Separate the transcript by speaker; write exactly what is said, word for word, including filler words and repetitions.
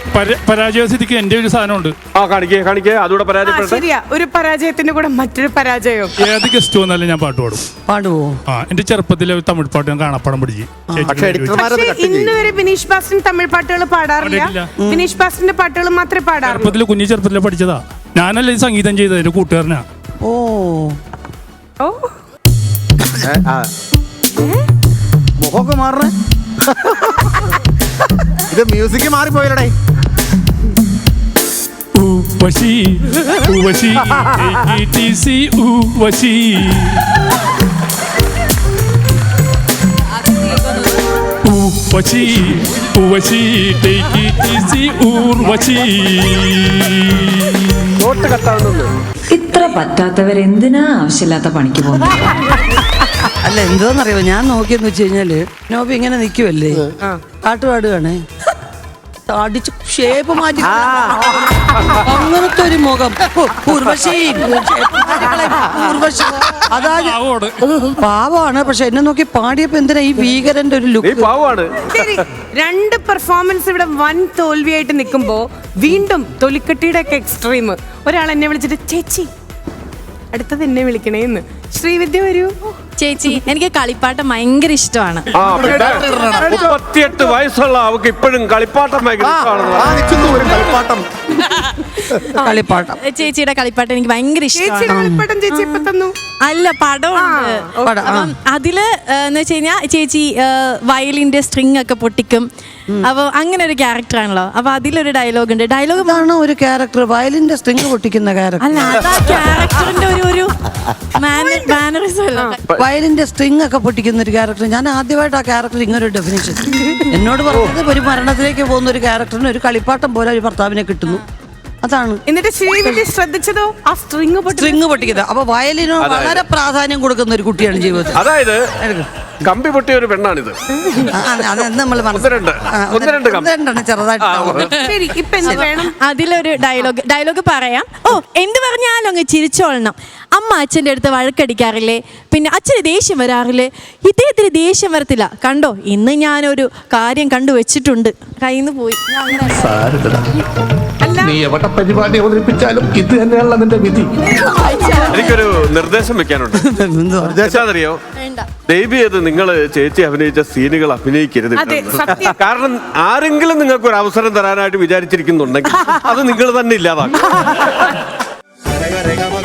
Speaker 1: പരാജയ സ്ഥിതിക്ക് എന്റെ ഒരു സാധനമുണ്ട്.
Speaker 2: ആ കാണിക്കേ കാണിക്കേ അതുകൂടെ പരാജയപ്പെട്ടെ.
Speaker 3: ശരിയാ, ഒരു പരാജയത്തിന്റെ കൂടെ മറ്റൊരു പരാജയം.
Speaker 1: ഏത് ഗസ്റ്റ് വന്നാലും ഞാൻ പാട്ട് പാടും.
Speaker 4: പാടുവോ?
Speaker 1: ആ എന്റെ ചെറുപ്പത്തിലെ തമിഴ് പാട്ട് ഞാൻ കാണാപ്പാടം പഠിച്ചു.
Speaker 3: ഇന്ന് വരെ ബിനീഷ് ബാസ്റ്റിൻ തമിഴ് പാട്ടുകൾ പാടാറില്ല. ബിനീഷ് ബാസ്റ്റിന്റെ പാട്ടുകൾ മാത്രമേ പാടാറുള്ളൂ.
Speaker 1: ചെറുപ്പത്തില് കുഞ്ഞു ചെറുപ്പത്തിലെ പഠിച്ചതാ. ഞാനല്ലേ സംഗീതം ചെയ്തത്, എന്റെ കൂട്ടുകാരനാ.
Speaker 4: ഓ
Speaker 3: ഓ
Speaker 5: മുഖമൊക്കെ മാറണേ. ഇത് മ്യൂസിക് മാറിപ്പോയല്ലേ.
Speaker 1: Uwashi, uwashi, A T C, uwashi. Uwashi, uwashi, A T C, uwashi.
Speaker 2: Note കട്ടാവുന്നു.
Speaker 6: ഇത്ര പറ്റാത്തവരെന്തിനാ ആവശ്യമില്ലാത്ത പണിക്ക് പോകുന്നത്?
Speaker 4: അല്ല എന്തോന്നറിയോ, ഞാൻ നോക്കിയെന്ന് വെച്ച് കഴിഞ്ഞാല് നോബി ഇങ്ങനെ നിൽക്കുവല്ലേ, പാട്ട് പാടുകയാണേ, അടിച്ച് ഷേപ്പ് മാറ്റി അങ്ങനത്തെ ഒരു മുഖം. ഉർവശി ഉർവശി അതാ പാവമാണ്. പക്ഷെ എന്നെ നോക്കി പാടിയപ്പോ എന്തിനാ ഈ ഭീകരന്റെ ഒരു ലുക്ക്?
Speaker 3: ശരി, രണ്ട് പെർഫോമൻസ് ഇവിടെ വൻ തോൽവിയായിട്ട് നിൽക്കുമ്പോ വീണ്ടും തൊലിക്കട്ടിയുടെ ഒക്കെ എക്സ്ട്രീം. ഒരാൾ എന്നെ വിളിച്ചിട്ട് ചേച്ചി അടുത്തത് എന്നെ വിളിക്കണേന്ന്. ശ്രീവിദ്യ വരൂ.
Speaker 7: ചേച്ചി, എനിക്ക് കളിപ്പാട്ടം ഭയങ്കര ഇഷ്ടമാണ്.
Speaker 2: മുപ്പത്തിയെട്ട് വയസ്സുള്ള അവക്ക് ഇപ്പോഴും കളിപ്പാട്ടം
Speaker 4: കളിപ്പാട്ടം.
Speaker 7: ചേച്ചിയുടെ കളിപ്പാട്ടം എനിക്ക് ഭയങ്കര ഇഷ്ടമാണ്.
Speaker 3: ചേച്ചി ഇപ്പൊ തന്നു.
Speaker 7: അല്ല, പടമുണ്ട്. അപ്പം അതില് എന്ന് വെച്ച് കഴിഞ്ഞാൽ ചേച്ചി വയലിന്റെ സ്ട്രിങ് ഒക്കെ പൊട്ടിക്കും. അപ്പൊ അങ്ങനെ ഒരു ക്യാരക്ടർ ആണല്ലോ. അപ്പൊ അതിലൊരു ഡയലോഗ് ഉണ്ട്. ഡയലോഗ്
Speaker 4: ആണ് ഒരു ക്യാരക്ടർ, വയലിന്റെ സ്ട്രിങ് പൊട്ടിക്കുന്ന ക്യാരക്ടർ.
Speaker 7: അല്ല, അതാ ക്യാരക്ടറിന്റെ ഒരു ഒരു മാനറിസം അല്ല.
Speaker 4: വയലിന്റെ സ്ട്രിങ് ഒക്കെ പൊട്ടിക്കുന്ന ഒരു ക്യാരക്ടർ. ഞാൻ ആദ്യമായിട്ട് ആ ക്യാരക്ടർ ഇങ്ങനെ ഒരു ഡെഫിനിഷൻ എന്നോട് പറഞ്ഞത്. ഒരു മരണത്തിലേക്ക് പോകുന്ന ഒരു ക്യാരക്ടറിന് ഒരു കളിപ്പാട്ടം പോലെ ഒരു ഭർത്താവിനെ കിട്ടുന്നു, അതാണ്.
Speaker 3: എന്നിട്ട് ശ്രീവിദ്യ ശ്രദ്ധിച്ചതോ ആ സ്ട്രിങ്
Speaker 4: സ്ട്രിങ് പൊട്ടിക്കുന്നത്. അപ്പൊ വയലിന് വളരെ പ്രാധാന്യം കൊടുക്കുന്ന ഒരു കുട്ടിയാണ് ജീവിതത്തിൽ.
Speaker 2: അതായത് കമ്പി പൊട്ടിയ ഒരു പെണ്ണാണിത്.
Speaker 7: അതിലൊരു ഡയലോഗ് ഡയലോഗ് പറയാം. ഓ, എന്ത് പറഞ്ഞാലും അങ്ങ് ചിരിച്ചോളണം. അമ്മ അച്ഛൻ്റെ അടുത്ത് വഴക്കടിക്കാറില്ലേ? പിന്നെ അച്ഛന് ദേഷ്യം വരാറില്ലേ? ഇദ്ദേഹത്തിന് ദേഷ്യം വരത്തില്ല. കണ്ടോ, ഇന്ന് ഞാനൊരു കാര്യം കണ്ടു വെച്ചിട്ടുണ്ട്. കയ്യിന്ന് പോയി.
Speaker 8: നീ എവിടെ പരിപാടി അവതരിപ്പിച്ചാലും ഇത് തന്നെയാണല്ലോ നിന്റെ വിധി.
Speaker 2: എനിക്കൊരു നിർദ്ദേശം വെക്കാനുണ്ട്. നിർദ്ദേശാന്നറിയോ? ദയവ് ചെയ്ത് നിങ്ങള് ചേച്ചി അഭിനയിച്ച സീനുകൾ അഭിനയിക്കരുത്. കാരണം ആരെങ്കിലും നിങ്ങൾക്ക് ഒരു അവസരം തരാനായിട്ട് വിചാരിച്ചിരിക്കുന്നുണ്ടെങ്കിൽ അത് നിങ്ങൾ തന്നെ ഇല്ലാതാക്കും.